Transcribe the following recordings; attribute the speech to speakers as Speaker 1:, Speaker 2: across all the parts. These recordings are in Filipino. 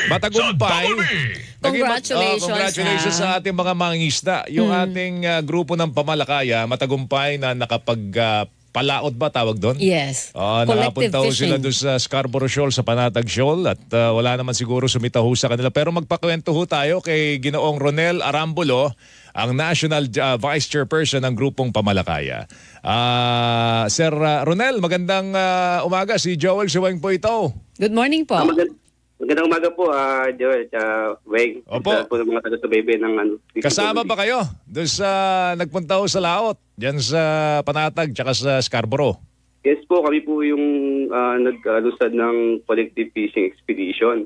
Speaker 1: matagumpay.
Speaker 2: Congratulations,
Speaker 1: Congratulations sa ating mga mangingisda. Yung ating grupo ng Pamalakaya, matagumpay na palaot ba tawag doon?
Speaker 2: Yes.
Speaker 1: Nakapunta ho
Speaker 2: fishing.
Speaker 1: sila doon sa Scarborough Shoal, sa Panatag Shoal at wala naman siguro sumitaho sa kanila. Pero magpakwento ho tayo kay Ginoong Ronel Arambulo, ang National Vice Chairperson ng grupong Pamalakaya. Sir Ronel, magandang umaga. Si Joel Siweng po ito.
Speaker 2: Good morning po.
Speaker 3: Magandang umaga po, Joel, Weng.
Speaker 1: Opo.
Speaker 3: Po ng mga taga-subaybay ng
Speaker 1: Kasama ba kayo doon sa nagpunta ho sa laot? Diyan sa Panatag tsaka sa Scarborough?
Speaker 3: Yes po, kami po yung nag-alusad ng collective fishing expedition.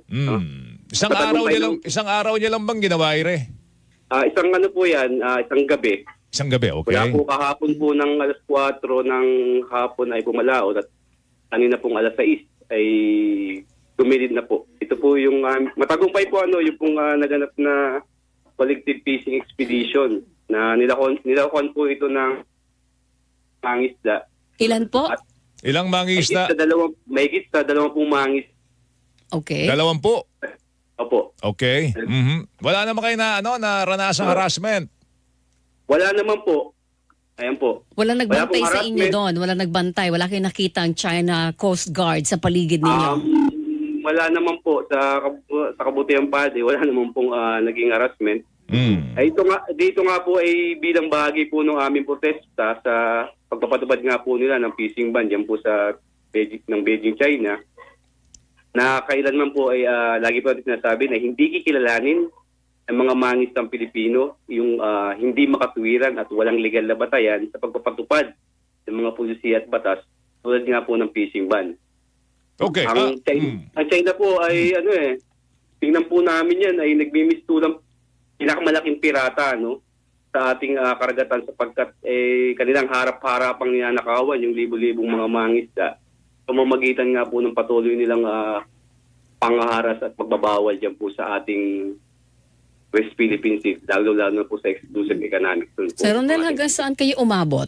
Speaker 1: Isang araw niya lang bang ginawa, Ire?
Speaker 3: Isang ano po yan, isang gabi.
Speaker 1: Isang gabi, okay.
Speaker 3: Kaya po kahapon po ng alas 4 ng hapon ay pumalaot at kanina pong alas 6 ay gumilid na po. Ito po yung matagumpay po yung pong naganap na collective fishing expedition na nilakon po ito ng mangisda.
Speaker 2: Ilan po?
Speaker 1: Ilang mangingisda?
Speaker 3: Mahigit sa 20 mangis.
Speaker 2: Okay.
Speaker 1: 20?
Speaker 3: Opo.
Speaker 1: Okay. Wala naman kayo na naranasang harassment?
Speaker 3: Wala naman po. Ayan po.
Speaker 2: Walang nagbantay
Speaker 3: Wala
Speaker 2: sa
Speaker 3: pong
Speaker 2: inyo
Speaker 3: harassment.
Speaker 2: doon? Walang nagbantay? Wala kayong nakita ang China Coast Guard sa paligid ninyo?
Speaker 3: Wala naman po sa kabutihan padi, wala naman pong naging harassment. Ay dito nga po ay bilang bahagi po ng aming protesta sa pagpapatupad nga po nila ng fishing ban diyan po sa Beijing, China. Na kailanman po ay lagi po natin sinasabi na hindi kikilalanin ang mga mangisdang Pilipino yung hindi makatuwiran at walang legal na batayan sa pagpapatupad ng mga pulisiya at batas tulad nga po ng fishing ban.
Speaker 1: Okay.
Speaker 3: Ang China po ay tingnan po namin yan ay nagmimistulang pinakamalaking pirata sa ating karagatan sapagkat kanilang harap-harapang ninanakawan yung libo-libong mga mangisda. Pamamagitan nga po ng patuloy nilang pangaharas at pagbabawal dyan po sa ating West Philippine Sea, lalo-lalo na po sa exclusive economic zone.
Speaker 2: Sir Ronel, hanggang saan kayo umabot?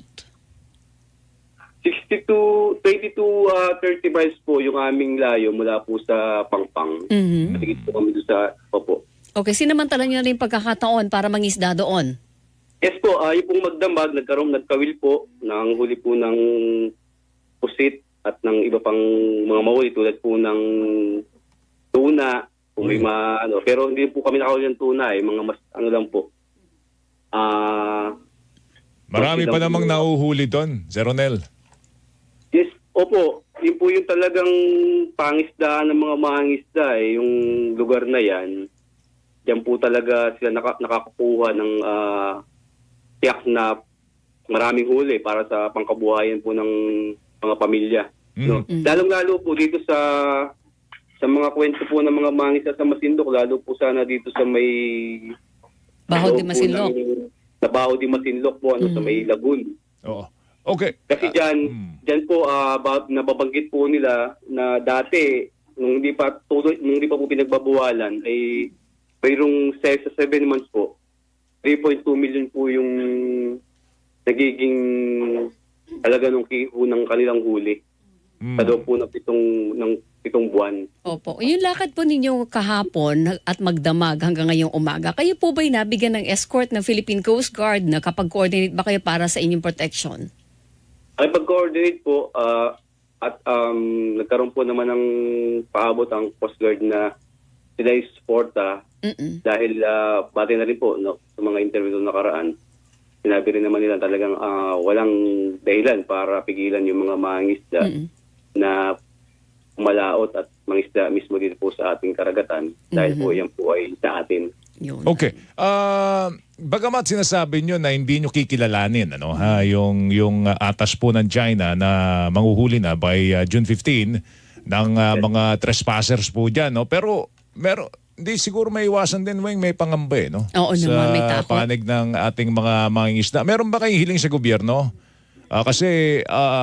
Speaker 3: 22, 30 miles po yung aming layo mula po sa Pangpang. Matigit po kami doon sa Popo.
Speaker 2: Okay, sinamantala nyo na rin pagkakataon para mangisda doon?
Speaker 3: Yes po, yung pong magdamag, nagkawil po ng huli po ng pusit at ng iba pang mga mahuli tulad po ng tuna, kung may pero hindi po kami nakahuli ng tuna mga mas lang po.
Speaker 1: Marami pa namang nauhuli doon, Sir Ronel.
Speaker 3: Yes, opo. Yun po yung talagang pangisdaan ng mga mangisda yung lugar na yan. Diyan po talaga sila nakakakuha ng tiyak na maraming huli para sa pangkabuhayan po ng mga pamilya. Lalong-lalo po dito sa mga kwento po ng mga mangisda sa Masindok, lalo po sana dito sa may
Speaker 2: Baho di Masinloc.
Speaker 3: Sa Baho di Masinloc po, sa may Lagoon.
Speaker 1: Oo. Okay.
Speaker 3: Kasi dyan po, nababanggit po nila na dati, nung hindi pa po pinagbabawalan, ay mayroong 6 sa 7 months po, 3.2 million po yung nagiging halaga ng kanilang huli. Sa loob po ng pitong buwan.
Speaker 2: Opo. Yung lakad po ninyo kahapon at magdamag hanggang ngayong umaga, kayo po ba'y nabigyan ng escort ng Philippine Coast Guard na kapag-coordinate ba kayo para sa inyong protection?
Speaker 3: Ay pag-coordinate po at nagkaroon po naman ng paabot ang Coast Guard na sila yung suporta dahil bati na rin po sa mga interview na nakaraan. Sinabi rin naman nila talagang walang dahilan para pigilan yung mga mangisda na umalaot at mangisda mismo dito po sa ating karagatan dahil po yan po ay sa atin.
Speaker 2: Yun.
Speaker 1: Okay. Bagamat sinasabi nyo na hindi nyo kikilalanin yung atas po ng China na manghuhuli na by June 15 ng mga trespassers po dyan, pero hindi siguro may iwasan din, Weng, may pangamba
Speaker 2: Oo naman, may takot.
Speaker 1: sa panig ng ating mga mangingisda. Meron ba kayong hiling sa gobyerno? Kasi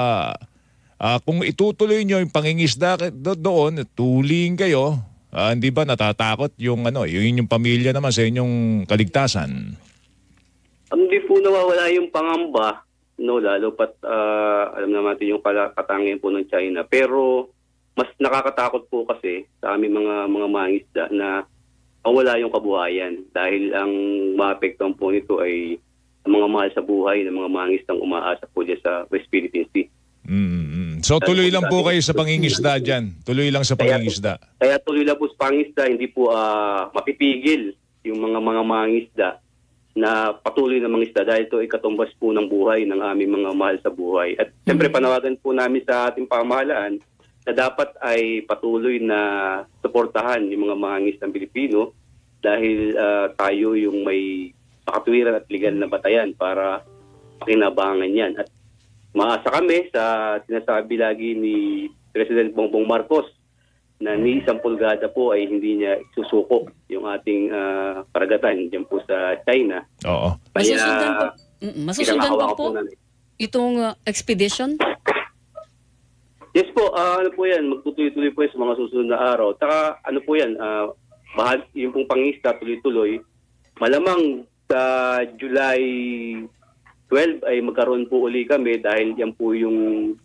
Speaker 1: kung itutuloy nyo yung pangingisda doon, tuling kayo, hindi ba natatakot yung yung pamilya naman sa inyong kaligtasan?
Speaker 3: Hindi po nawawala yung pangamba, lalo pat alam naman natin yung katangian po ng China. Pero mas nakakatakot po kasi sa aming mga mangingisda na mawala yung kabuhayan dahil ang maapektuhan po nito ay ang mga mahal sa buhay ng mga mangingisdang umaasa po dyan sa West Philippine Sea.
Speaker 1: So tuloy lang po kayo sa pangingisda dyan. Tuloy lang sa pangingisda.
Speaker 3: Kaya tuloy lang po sa pangingisda, hindi po mapipigil yung mga mangingisda na patuloy na mangisda dahil ito ay katumbas po ng buhay ng aming mga mahal sa buhay. At siyempre panawagan po namin sa ating pamahalaan na dapat ay patuloy na suportahan yung mga mangingisdang Pilipino dahil tayo yung may makatwiran at legal na batayan para pakinabangan yan. At maasa kami sa sinasabi lagi ni President Bongbong Marcos na ni isang pulgada po ay hindi niya susuko yung ating karagatan dyan po sa China.
Speaker 1: Oo.
Speaker 2: Masusundan pa po
Speaker 3: namin.
Speaker 2: itong expedition?
Speaker 3: Yes po, ano po yan, magtutuloy-tuloy po yan sa mga susunod na araw. Taka ano po yan, yung pong pangista tuloy-tuloy, malamang sa July 12 ay magkaroon po uli kami dahil yan po yung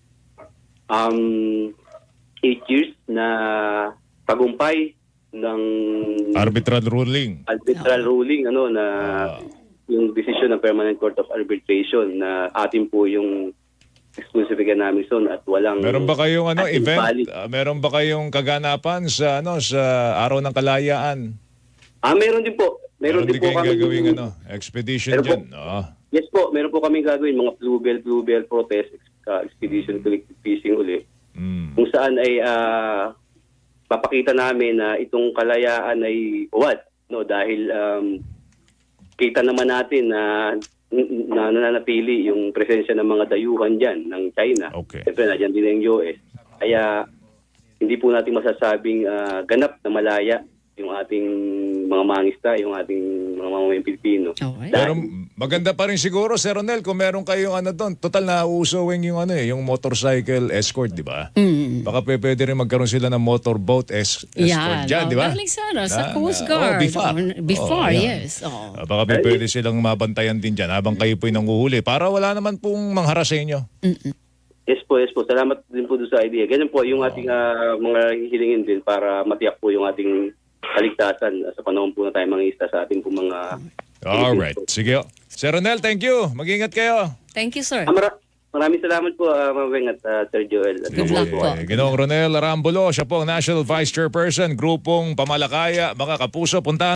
Speaker 3: 8 years na tagumpay ng
Speaker 1: Arbitral ruling.
Speaker 3: ruling na yung decision ng Permanent Court of Arbitration na atin po yung exclusive namin zone at walang
Speaker 1: Meron ba kayong event?
Speaker 3: valid.
Speaker 1: Meron ba kayong kaganapan sa sa Araw ng Kalayaan?
Speaker 3: Meron din po. Meron din po
Speaker 1: kayong
Speaker 3: kami
Speaker 1: gagawing expedition
Speaker 3: Meron
Speaker 1: dyan? Oo.
Speaker 3: Yes po, meron po kami gagawin mga bluebell protest expedition collective fishing uli. Kung saan ay papakita namin na itong kalayaan ay uwad, dahil kita naman natin na nananatili yung presensya ng mga dayuhan diyan ng China.
Speaker 1: Okay.
Speaker 3: Siyempre nandiyan din ang US. Kaya hindi po natin masasabing ganap na malaya yung ating mga mangista, yung ating mga mamamayang Pilipino.
Speaker 2: Okay.
Speaker 1: Pero maganda pa rin siguro, Sir Ronel, kung meron kayong doon. Total na uusawing yung yung motorcycle escort, di ba? Baka pwede rin magkaroon sila ng motorboat escort dyan, di ba?
Speaker 2: Galing sa Coast Guard.
Speaker 1: Before.
Speaker 2: Yes.
Speaker 1: Baka pwede silang mabantayan din dyan habang kayo po'y nanguhuli para wala naman pong mangharas sa inyo.
Speaker 3: Yes po. Salamat din po doon sa idea. Ganyan po yung ating mga hilingin din para matiyak po yung ating kaligtasan sa panahon po na tayo mangingisda sa ating po mga...
Speaker 1: Alright. Sige. Sir Ronel, thank you. Mag-ingat kayo.
Speaker 2: Thank you, sir.
Speaker 3: Maraming salamat po, Maweng at Sir Joel.
Speaker 2: Good luck po.
Speaker 1: Ginoong Ronel Arambulo, siya po ang National Vice Chairperson, Grupong Pamalakaya. Mga kapuso, punta